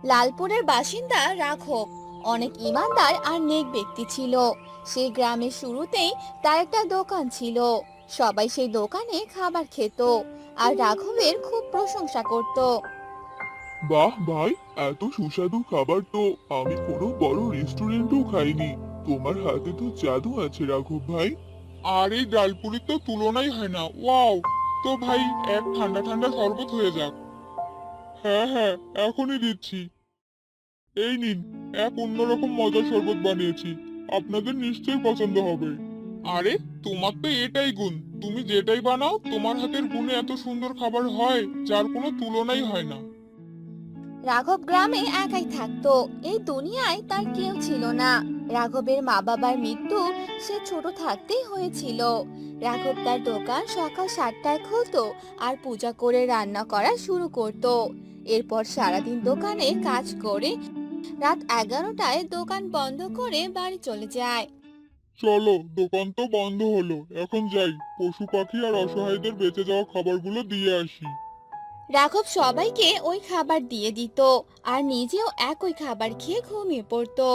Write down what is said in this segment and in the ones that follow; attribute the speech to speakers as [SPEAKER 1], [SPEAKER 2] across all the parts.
[SPEAKER 1] লালপুরের বাসিন্দা রাঘব অনেক ইমানদার আর নেক ব্যক্তি ছিল। সে গ্রামের শুরুতেই তার একটা দোকান ছিল। সবাই সেই দোকানে খাবার খেত আর রাঘবের খুব প্রশংসা করত।
[SPEAKER 2] বাহ ভাই, এত সুস্বাদু খাবার তো আমি কোনো বড় রেস্টুরেন্টেও খাইনি। তোমার হাতে তো জাদু আছে রাঘব ভাই। আর এই ডালপুরির তো তুলনাই হয় না। ওয়াও! তো ভাই, এক ঠান্ডা ঠান্ডা শরবত হয়ে যাক। হ্যাঁ হ্যাঁ, এখনই দিচ্ছি। এই নিন, এক অন্যরকম মজার শরবত বানিয়েছি। আপনাদের নিশ্চয়ই পছন্দ হবে। আরে, তোমার তো এটাই গুণ। তুমি যেটাই বানাও তোমার হাতের গুণে এত সুন্দর খাবার হয় যার কোনো তুলনাই হয় না।
[SPEAKER 1] রাঘব গ্রামে একাই থাকতো। এই দুনিয়ায় তার কেউ ছিল না। রাঘবের মা বাবার মৃত্যু সে ছোট থাকতেই হয়েছিল। রাঘব তার দোকান সকাল 7টায় খুলতো আর পূজা করে রান্না করা শুরু করত। এরপর সারাদিন দোকানে কাজ করে রাত 11টায় দোকান বন্ধ করে বাড়ি চলে যায়।
[SPEAKER 2] চলো, দোকান তো বন্ধ হলো, এখন যাই পশু পাখি আর অসহায়দের বেঁচে যাওয়া খাবারগুলো দিয়ে আসি।
[SPEAKER 1] রাঘব সবাইকে ওই খাবার দিয়ে দিত আর নিজেও একই খাবার খেয়ে ঘুমিয়ে পড়তো।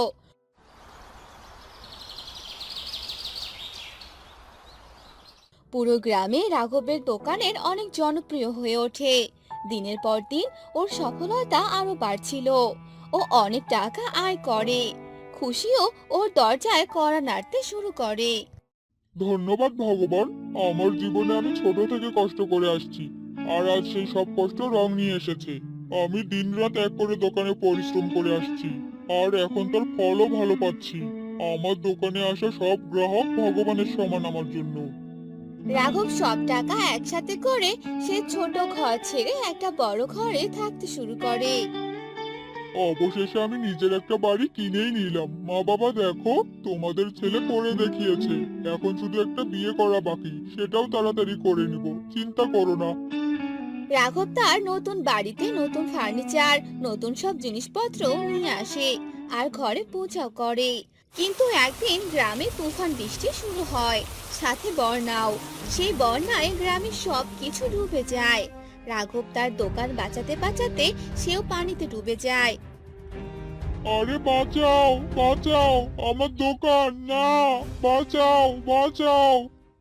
[SPEAKER 1] পুরো গ্রামে রাঘবের দোকানের অনেক জনপ্রিয় হয়ে ওঠে। দিনের পর দিন ওর সফলতা আরো বাড়ছিল। ও অনেক টাকা আয় করে। খুশিও ওর দরজায় কড়া নাড়তে শুরু করে।
[SPEAKER 2] ধন্যবাদ ভগবান, আমার জীবনে আমি ছোট থেকে কষ্ট করে আসছি, আর আজ সেই সব কষ্ট রং নিয়ে এসেছে। আমি দিনরাত এক করে দোকানে পরিশ্রম করে আসছি, আর এখন তার ফলও ভালো পাচ্ছি। আমার দোকানে আসা সব গ্রাহক ভগবানের সমান আমার জন্য।
[SPEAKER 1] রাঘব সব টাকা একসাথে করে সে ছোট ঘর ছেড়ে একটা বড় ঘরে থাকতে শুরু করে।
[SPEAKER 2] অবশেষে আমি নিজের একটা বাড়ি কিনেই নিলাম। মা বাবা দেখো, তোমাদের ছেলে করে দেখিয়েছে। এখন শুধু একটা বিয়ে করা বাকি, সেটাও তাড়াতাড়ি করে নিব, চিন্তা করো না।
[SPEAKER 1] রাঘব তার নতুন বাড়িতে নতুন ফার্নিচার, নতুন সব জিনিসপত্র নিয়ে আসে আর ঘরে পূজাও করে। কিন্তু একদিন গ্রামে তুফান বৃষ্টি শুরু হয়, সাথে বন্যাও। সেই বন্যায় গ্রামের সব কিছু ডুবে যায়। রাঘব তার দোকান বাঁচাতে বাঁচাতে সেও পানিতে ডুবে যায়।
[SPEAKER 2] আরে বাঁচাও, বাঁচাও আমার দোকান, না! বাঁচাও, বাঁচাও!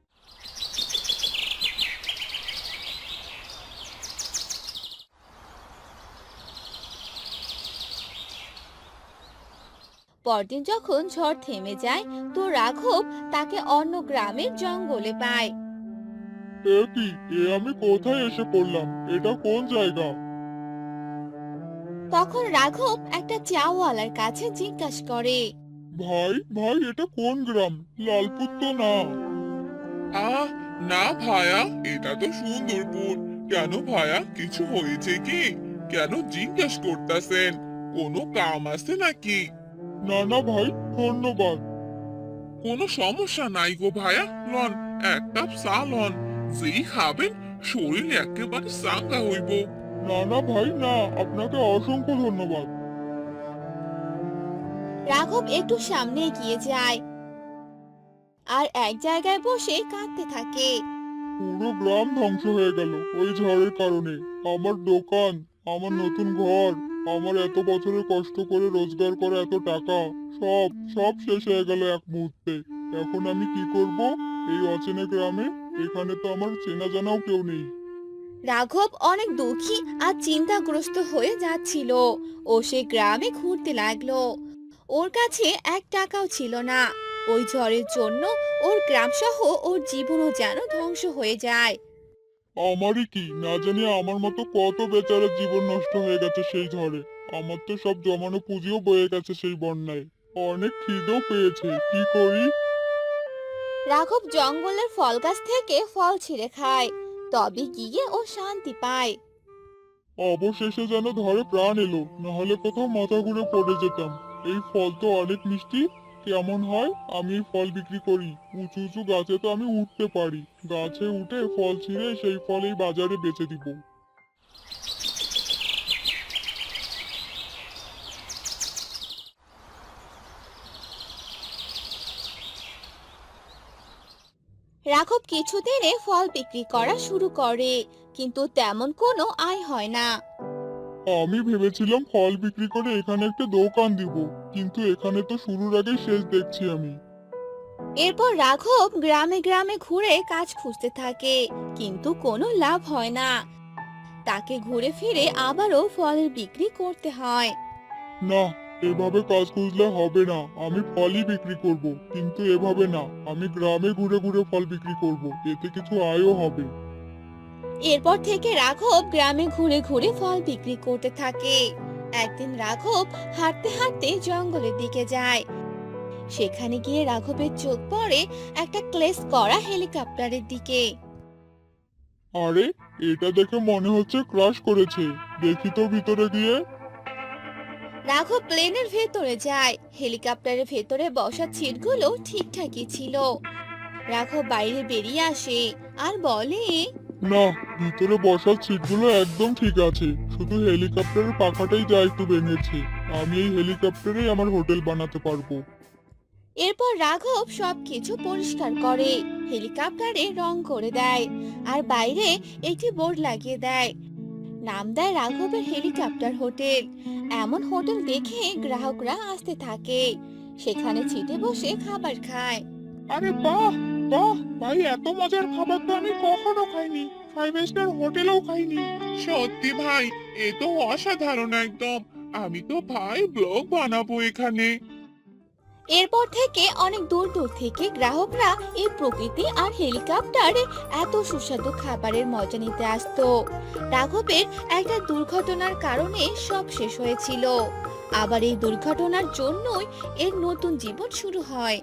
[SPEAKER 1] পরদিন যখন ঝড় থেমে যায়, তো রাঘব তাকে অন্য গ্রামের জঙ্গলে পায়।
[SPEAKER 2] এ কি, আমি কোথায় এসে পড়লাম? এটা কোন জায়গা?
[SPEAKER 1] তখন রাঘব একটা চাওয়ালার কাছে জিজ্ঞাসা করে।
[SPEAKER 2] ভাই ভাই, এটা কোন গ্রাম? লালপুর তো না। আহ, না ভায়া, এটা তো সুন্দরপুর। কেন ভায়া, কিছু হয়েছে কি? কেন জিজ্ঞেস করতেছেন? কোনো কাম আছে নাকি? না না ভাই, ধন্যবাদ। কোনো সমস্যা নাই গো ভায়া, লন, এক কাপ চা লন। যেই খাবেন শরীর একেবারে চাঙ্গা হইব। না না ভাই, না, আপনাকে অসংখ্য ধন্যবাদ।
[SPEAKER 1] রাঘব একটু সামনে এগিয়ে যায় আর এক জায়গায় বসে কাঁদতে থাকে।
[SPEAKER 2] পুরো গ্রাম ধ্বংস হয়ে গেল ওই ঝড়ের কারণে। আমার দোকান, আমার নতুন ঘর, আমার এত বছরের কষ্ট করে রোজগার করা এত টাকা, সব সব শেষ হয়ে গেল এক মুহূর্তে। এখন আমি কি করব এই অচেনা গ্রামে? এখানে তো আমার চেনা জানাও কেউ নেই।
[SPEAKER 1] রাঘব অনেক দুঃখী আর চিন্তাগ্রস্ত হয়ে যাচ্ছিল। ও সে গ্রামে ঘুরতে লাগলো। ওর কাছে এক টাকাও ছিল না। ওই ঝড়ের জন্য ওর গ্রাম সহ ওর জীবনও যেন ধ্বংস হয়ে যায়।
[SPEAKER 2] আমারই কি, না জানি আমার মতো কত বেচারার জীবন নষ্ট হয়ে গেছে সেই ঝড়ে। আমার তো সব জমানো পুঁজিও বয়ে গেছে সেই বন্যায়। অনেক খিদেও পেয়েছে, কি করি?
[SPEAKER 1] রাঘব জঙ্গলের ফল গাছ থেকে ফল ছিঁড়ে খায়। তবে গিয়ে ও শান্তি পায়।
[SPEAKER 2] অবশেষে যেন ধরে প্রাণ এলো, নাহলে কোথাও মাথা ঘুরে পড়ে যেতাম। এই ফল তো অনেক মিষ্টি। কেমন হয় আমি এই ফল বিক্রি করি? উঁচু উঁচু গাছে তো আমি উঠতে পারি। গাছে উঠে ফল ছিঁড়ে সেই ফল এই বাজারে বেচে দিব।
[SPEAKER 1] রাঘব কিছুদিনে ফল বিক্রি করা শুরু করে, কিন্তু তেমন কোনো আয় হয় না।
[SPEAKER 2] আমি ভেবেছিলাম ফল বিক্রি করে এখানে একটা দোকান দিব, কিন্তু এখানে তো শুরুর আগে শেষ দেখছি আমি।
[SPEAKER 1] এরপর রাঘব গ্রামে গ্রামে ঘুরে কাজ খুঁজতে থাকে, কিন্তু কোনো লাভ হয় না। তাকে ঘুরে ফিরে আবারও ফলের বিক্রি করতে হয়।
[SPEAKER 2] না, এভাবে কাজ খুঁজলে হবে না। আমি ফলই বিক্রি করব, কিন্তু এভাবে না। আমি গ্রামে ঘুরে ঘুরে ফল বিক্রি করব, এতে কিছু আয়ও হবে।
[SPEAKER 1] এরপর থেকে রাঘব গ্রামে ঘুরে ঘুরে ফল বিক্রি করতে থাকে। একদিন রাঘব হাঁটতে হাঁটতে জঙ্গলের দিকে যায়। সেখানে গিয়ে রাঘবের চোখ পড়ে একটা ক্লেস করা হেলিকপ্টারের দিকে।
[SPEAKER 2] আরে, এটা দেখে মনে হচ্ছে ক্রাশ করেছে। দেখি তো ভিতরে গিয়ে।
[SPEAKER 1] রাঘব প্লেনের ভেতরে যায়। হেলিকপ্টারের ভেতরে বসার সিটগুলো ঠিকঠাকই ছিল। রাঘব বাইরে বেরিয়ে আসে আর বলে,
[SPEAKER 2] না, ভিতরে বসার সিটগুলো একদম ঠিক আছে, শুধু হেলিকপ্টারের পাখাটাই যা একটু ভেঙেছে। আমি এই হেলিকপ্টারেই আমার হোটেল বানাতে পারবো।
[SPEAKER 1] এরপর রাঘব সবকিছু পরিষ্কার করে, হেলিকপ্টারে রং করে দেয় আর বাইরে একটি বোর্ড লাগিয়ে দেয়। নাম দেয় রাঘবের হেলিকপ্টার হোটেল। এমন হোটেল দেখে গ্রাহকরা আসতে থাকে, সেখানে সিটে বসে খাবার খায়।
[SPEAKER 2] আরে বাহ, বাহ ভাই, এত মজার খাবার তো আমি কখনো খাইনি। 5 স্টার হোটেলেও খাইনি। সত্যি ভাই, এ তো অসাধারণ একদম। আমি তো ভাই ব্লগ বানাবো এখানে।
[SPEAKER 1] এরপর থেকে অনেক দূর দূর থেকে গ্রাহকরা এই প্রকৃতি আর হেলিকপ্টারে এত সুস্বাদু খাবারের মজা নিতে আসতো। রাঘবের একটা দুর্ঘটনার কারণে সব শেষ হয়েছিল। আবার এই দুর্ঘটনার জন্যই এর নতুন জীবন শুরু হয়।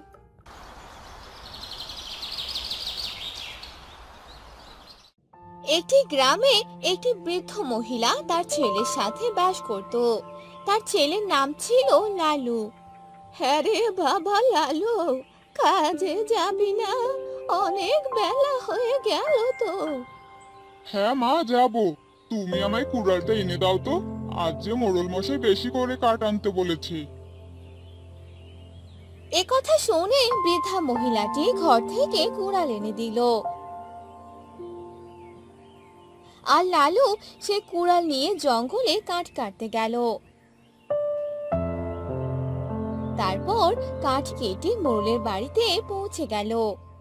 [SPEAKER 1] একটি গ্রামে একটি বৃদ্ধ মহিলা তার ছেলের সাথে বাস করত। তার ছেলের নাম ছিল লালু। হ্যাঁ রে বাবা লালু, কাজে যাবি না? অনেক বেলা হয়ে গেল তো।
[SPEAKER 2] হ্যাঁ মা, যাবো। তুমি আমায় কুড়ালটা এনে দাও তো। আজ যে মোড়ল মশাই বেশি করে কাঠ আনতে বলেছে।
[SPEAKER 1] একথা শুনে বৃদ্ধা মহিলাটি ঘর থেকে কুড়াল এনে দিল। আর লালু সে কুড়াল নিয়ে জঙ্গলে কাঠ কাটতে গেল। তারপর কাঠ কেটে মোড়লের বাড়িতে পৌঁছে গেল।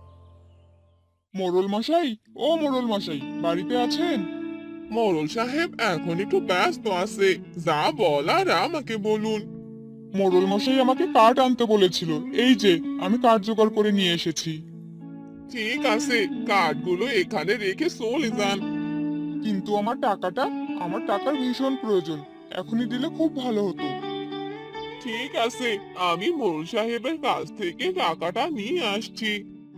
[SPEAKER 2] মোড়ল মশাই, ও মোড়ল মশাই, বাড়িতে আছেন? মোড়ল সাহেব এখন একটু ব্যস্ত আছে, যা বলার আমাকে বলুন। মোড়ল মশাই আমাকে কাঠ আনতে বলেছিল, এই যে আমি কাঠ জোগাড় করে নিয়ে এসেছি। ঠিক আছে, কাঠগুলো এখানে রেখে চলে যান। কিন্তু আমার টাকার ভীষণ প্রয়োজন। এখনই দিলে খুব ভালো হতো। ঠিক আছে, আমি মোড়ল সাহেবের কাছ থেকে টাকাটা নিয়ে আসছি।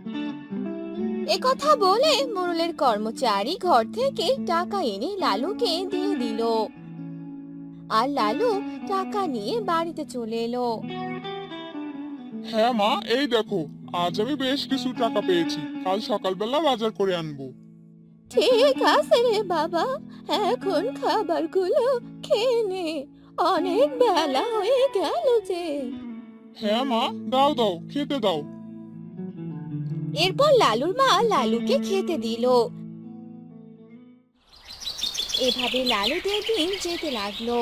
[SPEAKER 1] একথা বলে মোড়লের কর্মচারী ঘর থেকে টাকা এনে লালুকে দিয়ে দিল। আর লালু টাকা নিয়ে বাড়িতে চলে এলো।
[SPEAKER 2] হ্যাঁ মা, এই দেখো, আজ আমি বেশ কিছু টাকা পেয়েছি। কাল সকালবেলা বাজার করে আনবো।
[SPEAKER 1] ঠিক আছে রে বাবা, এখন খাবারগুলো খেয়ে নে, অনেক বেলা হয়ে গেল যে।
[SPEAKER 2] হ্যাঁ মা, দাও দাও, খেতে দাও।
[SPEAKER 1] এরপর লালুর মা লালুকে খেতে দিল। এভাবে লালুদের দিন যেতে লাগলো।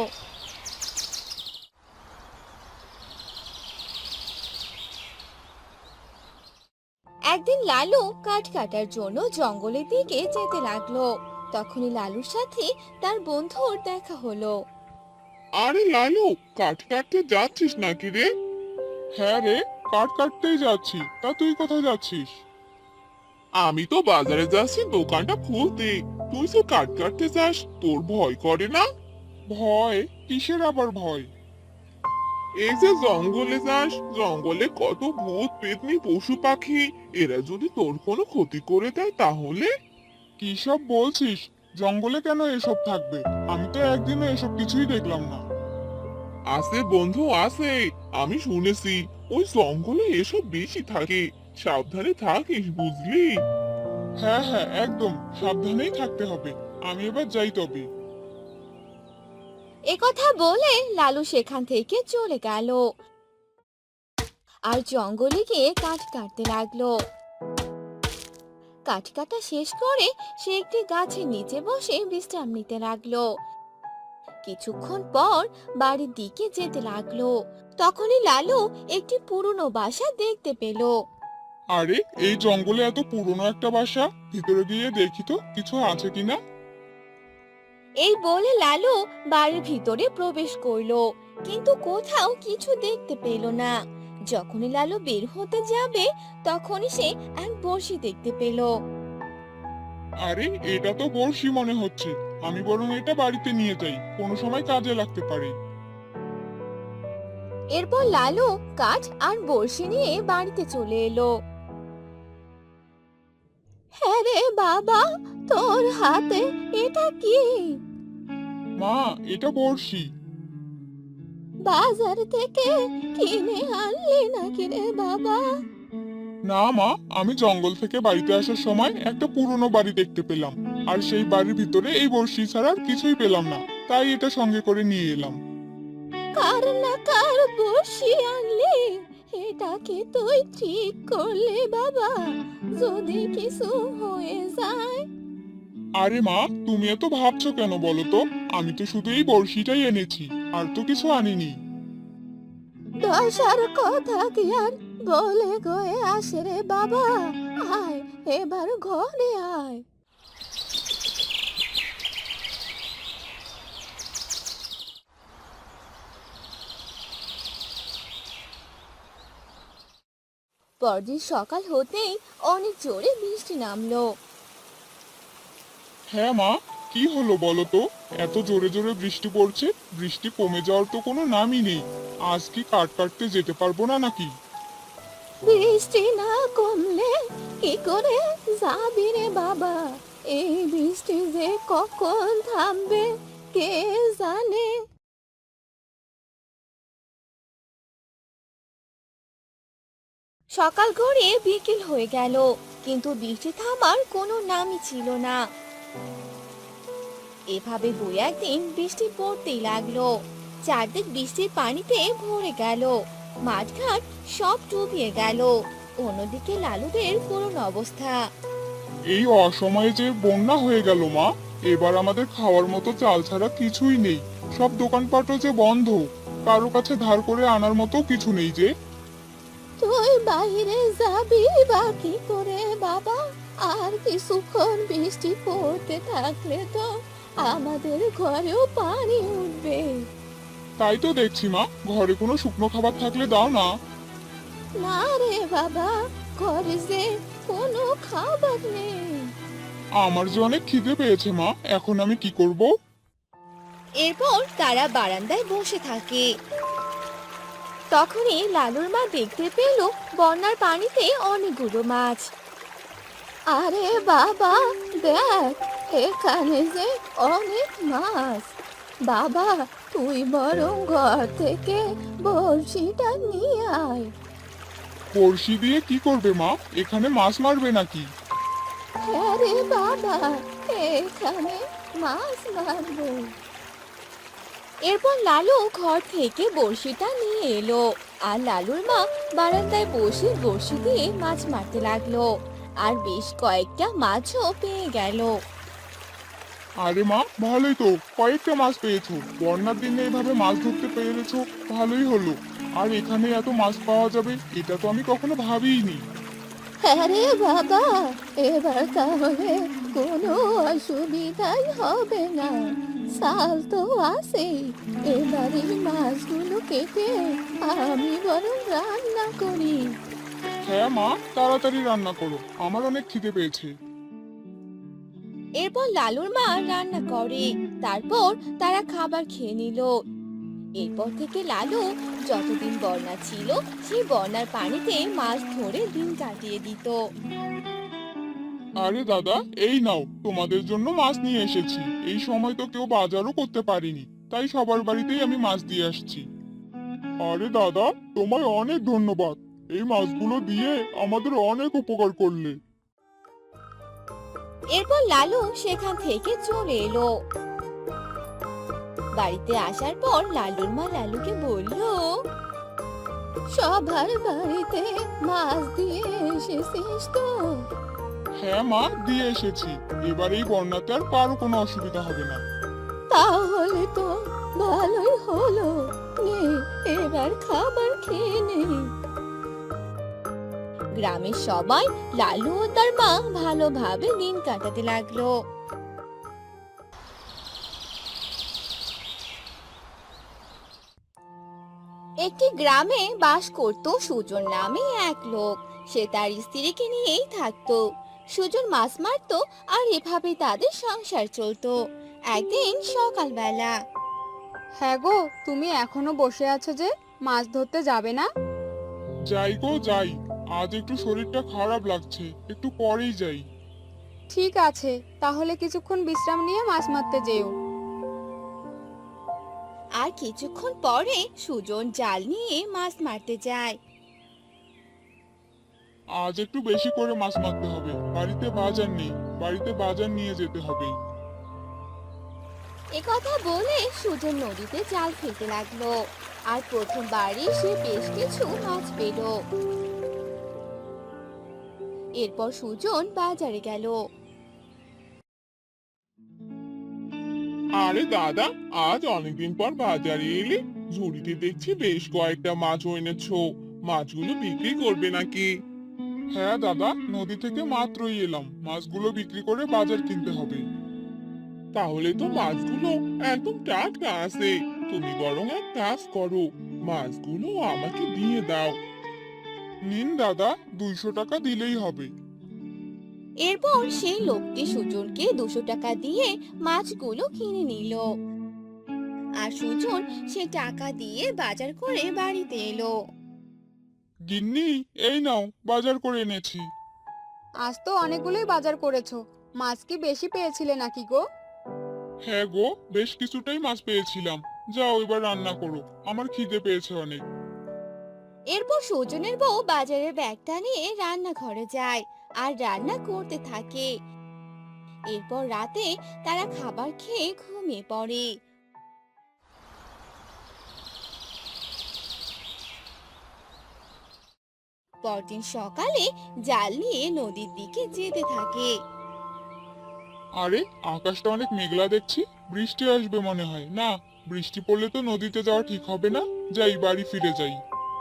[SPEAKER 1] একদিন লালু কাঠ কাটার জন্য জঙ্গলের দিকে যেতে লাগলো। তখনই লালুর সাথে তার বন্ধুর দেখা হলো।
[SPEAKER 2] আরে লালু, কাঠ কাটতে যাচ্ছিস নাকি রে? হ্যাঁ রে, কাঠ কাটতেই যাচ্ছি। তা তুই কোথায় যাচ্ছিস? আমি তো বাজারে যাচ্ছি দোকানটা খুলতে। তুই যে কাঠ কাটতে যাস, তোর ভয় করে না? ভয়? কিসের আবার ভয়? এই যে জঙ্গলে যাস, জঙ্গলে কত ভূত পেতনি পশু পাখি, এরা যদি তোর কোনো ক্ষতি করে দেয় তাহলে? কি সব বলছিস? জঙ্গলে কেন এসব থাকবে? আমি তো একদিনও এসব কিছুই দেখলাম না। আছে বন্ধু, আছে। আমি শুনেছি ওই জঙ্গলে এসব বেশি থাকে। সাবধানে থাকিস, বুঝলি? হ্যাঁ হ্যাঁ, একদম সাবধানেই থাকতে হবে। আমি এবার যাই তবে।
[SPEAKER 1] একথা বলে লালু সেখান থেকে চলে গেল আর জঙ্গলে গিয়ে কাঠ কাটতে লাগলো। কাঠ কাটা শেষ করে সে একটি গাছের নিচে বসে বিশ্রাম নিতে লাগলো। কিছুক্ষণ পর বাড়ির দিকে যেতে লাগলো। তখনই লালু একটি পুরনো বাসা দেখতে পেল।
[SPEAKER 2] আরে, এই জঙ্গলে এত পুরনো একটা বাসা, ভিতরে গিয়ে দেখি তো কিছু আছে কিনা।
[SPEAKER 1] এই বলে লালু বাড়ির ভিতরে প্রবেশ করলো, কিন্তু কোথাও কিছু দেখতে পেল না। যখনই লালু বের হতে যাবে তখনই সে এক বড়শি দেখতে পেল।
[SPEAKER 2] আরে, এটা তো বড়শি মনে হচ্ছে। আমি বরং এটা বাড়িতে নিয়ে যাই, কোনো সময় কাজে লাগতে পারে।
[SPEAKER 1] এরপর লালু কাঠ আর বড়শি নিয়ে বাড়িতে চলে এলো। হ্যাঁ রে বাবা, তোর হাতে এটা কি?
[SPEAKER 2] মা, এটা বড়শি।
[SPEAKER 1] বাজার থেকে কিনে আনলি নাকি রে বাবা?
[SPEAKER 2] না মা, আমি জঙ্গল থেকে বাড়িতে আসার সময় একটা পুরনো বাড়ি দেখতে পেলাম, আর সেই বাড়ির ভিতরে এই বড়শি ছাড়া আর কিছুই পেলাম না, তাই এটা সঙ্গে করে নিয়ে এলাম।
[SPEAKER 1] কার না কার বসি আনলি? এটা কি তুই ঠিক করলি বাবা? যদি কিছু হয়ে যায়?
[SPEAKER 2] আরে মা, তুমি এত ভাবছো কেন বলো তো? আমি তো শুধু এই বড়শিটাই এনেছি, আর তো কিছু আনিনি।
[SPEAKER 1] দশার কথা কি আর বলে গয়ে আসে রে বাবা? আয়, এবার ঘরে আয়। পরদিন সকাল হতেই অনেক জোরে বৃষ্টি নামলো।
[SPEAKER 2] হ্যাঁ মা, কি হলো বলো তো? এত জোরে জোরে বৃষ্টি পড়ছে, বৃষ্টি কমে যাওয়ার তো কোনো নামই নেই। আজ কি কাঠ কাটতে যেতে পারবো না নাকি?
[SPEAKER 1] বৃষ্টি না কমলে কি করে যাবি রে বাবা? এই বৃষ্টি যে কখন থামবে কে জানে। সকাল গড়িয়ে বিকেল হয়ে গেল, কিন্তু বৃষ্টি থামার কোনো নামই ছিল না। এভাবে দুই একদিন বৃষ্টি পড়তেই লাগলো। চারদিক বৃষ্টির পানিতে ভরে গেল, মাঠঘাট সব ডুবিয়ে গেল। অন্যদিকে লালুদের করুণ অবস্থা।
[SPEAKER 2] এই অসময়ে যে বন্যা হয়ে গেল মা, এবার আমাদের খাওয়ার মতো চাল ছাড়া কিছুই নেই। সব দোকানপাটও যে বন্ধ, কারো কাছে ধার করে আনার মতো কিছু নেই যে।
[SPEAKER 1] তুই বাইরে যাবি বা কি করে বাবা? আর কিছুক্ষণ বৃষ্টি পড়তে থাকলে তো আমাদের ঘরেও পানি উঠবে।
[SPEAKER 2] তাই তো দেখছি মা, ঘরে কোনো শুকনো খাবার থাকলে দাও না।
[SPEAKER 1] না রে বাবা, ঘরে যে কোনো খাবার নেই।
[SPEAKER 2] আমার যে অনেক খিদে পেয়েছে মা, এখন আমি কি করব?
[SPEAKER 1] এরপর তারা বারান্দায় বসে থাকে। তখনই লালুর মা দেখতে পেল বন্যার পানিতে অনেকগুলো মাছ। আরে বাবা, দেখ, এখানে যে অনেক মাছ। বাবা, তুই বরং ঘর থেকে বড়শিটা নিয়ে আয়।
[SPEAKER 2] বড়শি দিয়ে কি করবে মা? এখানে মাছ মারবে নাকি?
[SPEAKER 1] হ্যাঁ রে বাবা, এখানে মাছ মারবো। এরপর লালু ঘর থেকে বড়শিটা নিয়ে এলো, আর লালুর মা বারান্দায় বসে বড়শি দিয়ে মাছ মারতে লাগলো। আর বেশ কয়েকটা মাছও পেয়ে গেল।
[SPEAKER 2] আরে মা, ভালোই তো, কয়েকটা মাছ পেয়েছো। বন্যার দিনে এভাবে মাছ ধরতে পেরেছো, ভালোই হলো। আর এখানে এত মাছ পাওয়া যাবে এটা তো আমি কখনো ভাবিইনি।
[SPEAKER 1] হ্যাঁ রে বাবা, এবার তাহলে কোনো অসুবিধাই হবে না। সাল তো আছেই, এবার এই মাছগুলো কেটে আমি বরং রান্না করি।
[SPEAKER 2] হ্যাঁ মা, তাড়াতাড়ি রান্না করো, আমার অনেক খিদে পেয়েছে।
[SPEAKER 1] এরপর লালুর মা রান্না করে, তারপর তারা খাবার খেয়ে নিল। এরপর থেকে লালু যতদিন বন্যা ছিল সেই বন্যার পানিতে মাছ ধরে দিন কাটিয়ে দিত।
[SPEAKER 2] আরে দাদা, এই নাও, তোমাদের জন্য মাছ নিয়ে এসেছি। এই সময় তো কেউ বাজারও করতে পারিনি, তাই সবার বাড়িতেই আমি মাছ দিয়ে আসছি। আরে দাদা, তোমায় অনেক ধন্যবাদ। এই মাছগুলো দিয়ে আমাদের অনেক উপকার করলে।
[SPEAKER 1] এরপর লালু সেখান থেকে চলে এলো। বাড়িতে আসার পর লালুর মা লালুকে বলল, সবার বাড়িতে মাছ দিয়ে এসেছিস তো?
[SPEAKER 2] হ্যাঁ মা, দিয়ে এসেছি। এবার এই বন্যাতে আর কারো কোনো অসুবিধা হবে না।
[SPEAKER 1] তাহলে তো ভালোই হলো, নে এবার খাবার খেয়ে নে। গ্রামের সবাই লালু ও তার মা ভালোভাবে দিন কাটাতে লাগলো। একটি গ্রামে বাস করত সুজন নামে এক লোক। সে তার স্ত্রীকে নিয়েই থাকতো। সুজন মাছ মারতো আর এভাবে তাদের সংসার চলতো। একদিন সকালবেলা,
[SPEAKER 3] হ্যাঁ গো, তুমি এখনো বসে আছো যে, মাছ ধরতে যাবে না?
[SPEAKER 2] যাই গো যাই, আজ একটু শরীরটা খারাপ লাগছে, একটু পরেই যাই।
[SPEAKER 3] ঠিক আছে, তাহলে কিছুক্ষণ বিশ্রাম নিয়ে মাছ মারতে যেও।
[SPEAKER 1] আর কিছুক্ষণ পরে সুজন জাল নিয়ে মাছ মারতে যায়।
[SPEAKER 2] আজ একটু বেশি করে মাছ মারতে হবে, বাড়িতে বাজার নেই, বাড়িতে বাজার নিয়ে যেতে হবে।
[SPEAKER 1] একথা বলে সুজন নদীতে জাল ফেলতে লাগলো। আর প্রথমবারই সে বেশ কিছু মাছ পেল। এরপর সুজন বাজারে গেল।
[SPEAKER 2] আরে দাদা, আজ অনেকদিন পর বাজারে এলে, ঝুড়িতে দেখছি বেশ কয়েকটা মাছ এনেছো। মাছগুলো বিক্রি করবে নাকি? হ্যাঁ দাদা, নদী থেকে মাত্রই এলাম, মাছগুলো বিক্রি করে বাজার কিনতে হবে। তাহলে তো মাছগুলো একদম টাটকা আছে। তুমি বরং এক কাজ করো, মাছগুলো আমাকে দিয়ে দাও। নিন দাদা, 200 টাকা দিলেই হবে।
[SPEAKER 1] এরপর সেই লোকটি সুজনকে 200 টাকা দিয়ে মাছগুলো কিনে নিল। আর সুজন সে টাকা দিয়ে বাজার করে বাড়িতে এলো।
[SPEAKER 2] গিন্নি, এই নাও, বাজার করে এনেছি।
[SPEAKER 3] আজ তো অনেকগুলোই বাজার করেছো। মাছ কি বেশি পেয়েছিলে নাকি গো?
[SPEAKER 2] হ্যাঁ গো, বেশ কিছুটাই মাছ পেয়েছিলাম। যাও এবার রান্না করো, আমার খিদে পেয়েছে অনেক।
[SPEAKER 1] এরপর সুজনের বউ বাজারের ব্যাগটা নিয়ে রান্নাঘরে যায় আর রান্না করতে থাকে। এরপর রাতে তারা খাবার খেয়ে ঘুমিয়ে পড়ে। পরদিন সকালে জাল নিয়ে নদীর দিকে যেতে থাকে।
[SPEAKER 2] আরে, আকাশটা অনেক মেঘলা দেখছি, বৃষ্টি আসবে মনে হয়। না, বৃষ্টি পড়লে তো নদীতে যাওয়া ঠিক হবে না। যাই, বাড়ি ফিরে যাই।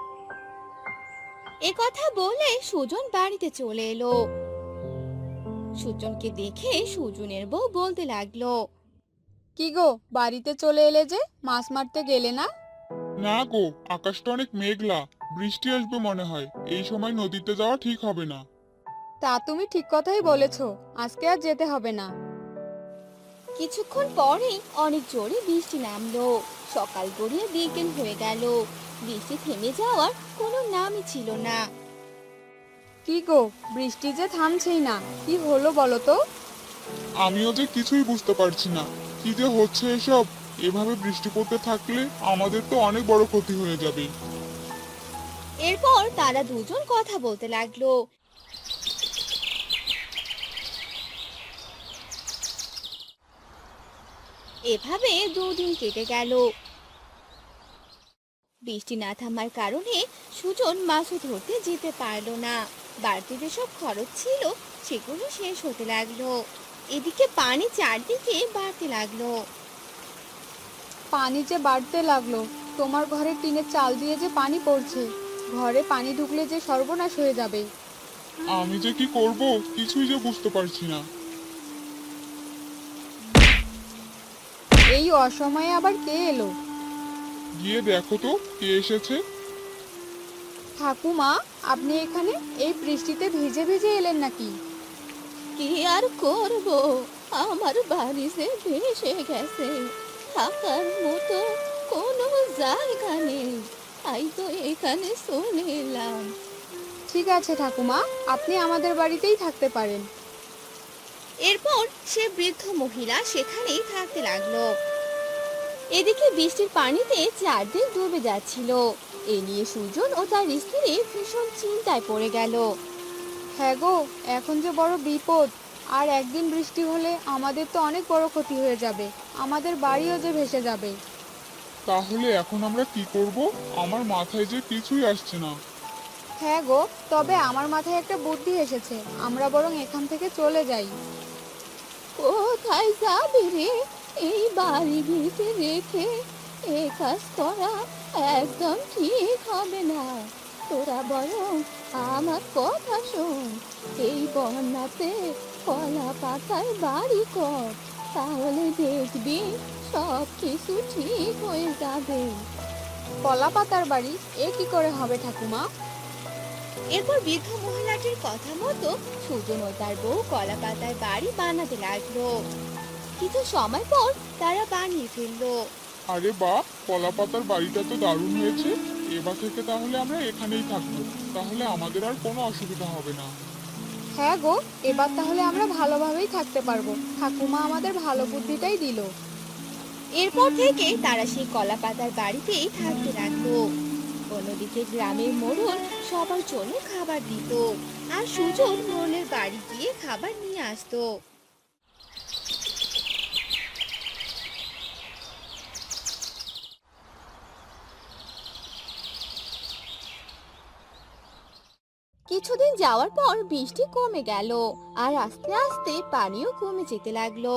[SPEAKER 1] একথা বলে সুজন বাড়িতে চলে এলো। সুজনকে দেখে সুজনের বউ বলতে লাগলো,
[SPEAKER 3] কি গো, বাড়িতে চলে এলে যে, মাছ মারতে গেলে না?
[SPEAKER 2] না গো, আকাশটা অনেক মেঘলা, বৃষ্টি আসবে মনে হয়। এই সময় নদীতে যাওয়া ঠিক হবে না।
[SPEAKER 3] তা তুমি ঠিক কথাই বলেছো, আজকে আর যেতে হবে না।
[SPEAKER 1] কিছুক্ষণ পরেই অনেক জোরে বৃষ্টি নামলো। সকাল গড়িয়ে বিকেল হয়ে গেল। বৃষ্টি থেমে যাওয়ার কোনো নামই ছিল না।
[SPEAKER 3] কি গো, বৃষ্টি যে থামছেই না, কি হলো বলো তো?
[SPEAKER 2] আমিও যে কিছুই বুঝতে পারছি না, কি যে হচ্ছে এসব। এভাবে বৃষ্টি পড়তে থাকলে আমাদের তো অনেক বড় ক্ষতি হয়ে যাবে।
[SPEAKER 1] এরপর তারা দুজন কথা বলতে লাগলো। এভাবে দুদিন কেটে গেল। বৃষ্টি না থামার কারণে সুজন মাছও ধরতে যেতে পারলো না। বাড়তি যেসব খরচ ছিল সেগুলো শেষ হতে লাগলো। এদিকে পানি চারদিকে বাড়তে লাগলো।
[SPEAKER 3] পানি যে বাড়তে লাগলো, তোমার ঘরে টিনের চাল দিয়ে যে পানি পড়ছে, ঘরে পানি ঢুকলে যে সর্বনাশ হয়ে যাবে।
[SPEAKER 2] আমি যে কি করব, কিছুই যে বুঝতে পারছি না।
[SPEAKER 3] এই অসময়ে আবার কে এলো?
[SPEAKER 2] গিয়ে দেখো তো কে এসেছে।
[SPEAKER 3] ঠাকুমা, আপনি এখানে এই বৃষ্টিতে ভিজে ভিজে এলেন নাকি?
[SPEAKER 1] কি আর করব, আমার বাড়ি যে ভেসে গেছে, থাকার মতো কোনো জায়গা নেই, তাই তো এখানে চলে এলাম।
[SPEAKER 3] ঠিক আছে ঠাকুমা, আপনি আমাদের বাড়িতেই থাকতে পারেন।
[SPEAKER 1] এরপর সে বৃদ্ধ মহিলা সেখানেই থাকতে লাগলো। এদিকে বৃষ্টির পানিতে চারদিক ডুবে যাচ্ছিল। এ নিয়ে সুজন ও তার স্ত্রী ভীষণ চিন্তায় পড়ে গেল।
[SPEAKER 3] হ্যাঁ গো, এখন যে বড় বিপদ। আর একদিন বৃষ্টি হলে আমাদের তো অনেক বড় ক্ষতি হয়ে যাবে, আমাদের বাড়িও যে ভেসে যাবে।
[SPEAKER 2] তাহলে এখন আমরা কি করব? আমার মাথায় যে কিছুই আসছে না।
[SPEAKER 3] হ্যাঁ গো, তবে আমার মাথায় একটা বুদ্ধি এসেছে, আমরা বরং এখান থেকে চলে যাই।
[SPEAKER 1] কোথায় যাবি রে? এই বাড়ি ভিটে রেখে এ কাজ করা একদম ঠিক হবে না। তোরা বরং আমার কথা শোন, এই বন্যাতে কলা পাতার বাড়ি কর, তাহলে দেখবি সব কিছু ঠিক হয়ে যাবে।
[SPEAKER 3] কলা পাতার বাড়ি এ কি করে হবে ঠাকুমা?
[SPEAKER 1] এরপর বৃদ্ধ মহিলাটির কথা মতো সুজন ও তার বউ কলা পাতার বাড়ি বানাতে লাগলো। কিছু সময় পর তারা বানিয়ে ফেললো।
[SPEAKER 2] আরে বাহ, কলা পাতার বাড়িটা তো দারুণ হয়েছে। এবার থেকে তাহলে আমরা এখানেই থাকবো, তাহলে আমাদের আর কোনো অসুবিধা হবে না।
[SPEAKER 3] হ্যাঁ গো, এবার তাহলে আমরা ভালোভাবেই থাকতে পারবো। ঠাকুমা আমাদের ভালো বুদ্ধিটাই দিল।
[SPEAKER 1] এরপর থেকে তারা সেই কলা পাতার বাড়িতেই থাকতে লাগলো। অন্যদিকে গ্রামের মোড়ল সবার জন্য খাবার দিত, আর সুজন মোড়লের বাড়ি গিয়ে খাবার নিয়ে আসতো। কিছুদিন যাওয়ার পর বৃষ্টি কমে গেল, আর আস্তে আস্তে পানিও কমে যেতে লাগলো।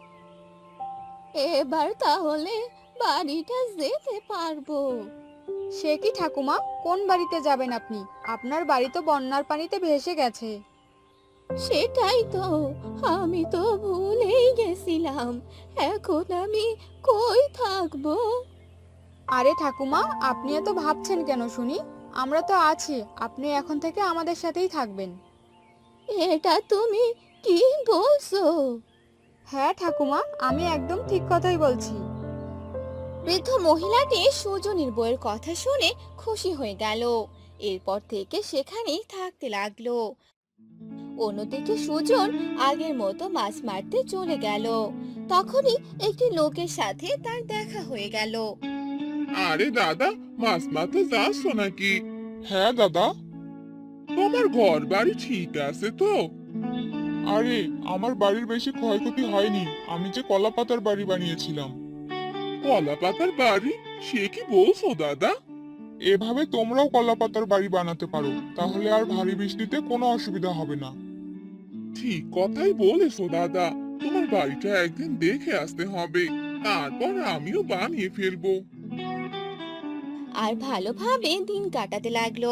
[SPEAKER 1] এবার তাহলে বাড়িটা যেতে পারবো।
[SPEAKER 3] সে কি ঠাকুমা, কোন বাড়িতে যাবেন আপনি? আপনার বাড়ি তো বন্যার পানিতে ভেসে গেছে।
[SPEAKER 1] সেটাই তো, আমি তো ভুলেই গেছিলাম। এখন আমি কই থাকবো?
[SPEAKER 3] আরে ঠাকুমা, আপনি এত ভাবছেন কেন শুনি? আমরা তো আছি, আপনি এখন থেকে আমাদের সাথেই থাকবেন।
[SPEAKER 1] এটা তুমি কি বলছো?
[SPEAKER 3] হ্যাঁ ঠাকুমা, আমি একদম ঠিক কথাই বলছি।
[SPEAKER 1] বৃদ্ধ মহিলাটি সুজনের বউয়ের কথা শুনে খুশি হয়ে গেল। এরপর থেকে সেখানেই থাকতে লাগলো। অন্যদিকে সুজন আগের মতো মাছ মারতে চলে গেল। তখনই একটি লোকের সাথে তার দেখা হয়ে গেল।
[SPEAKER 2] আরে দাদা, মাছ মারতে যাচ্ছ নাকি? হ্যাঁ দাদা। তোমার ঘর বাড়ি ঠিক আছে তো? আরে, আমার বাড়ির বেশি ক্ষয়ক্ষতি হয়নি। আমি যে কলা পাতার বাড়ি বানিয়েছিলাম। কলা পাতার বাড়ি? সে কি বলছো দাদা? এভাবে তোমরাও কলা পাতার বাড়ি বানাতে পারো, তাহলে আর ভারী বৃষ্টিতে কোনো অসুবিধা হবে না। ঠিক কথাই বলেছো দাদা। তোমার বাড়িটা একদিন দেখে আসতে হবে, তারপর আমিও বানিয়ে ফেলবো।
[SPEAKER 1] আর ভালোভাবে দিন কাটাতে লাগলো।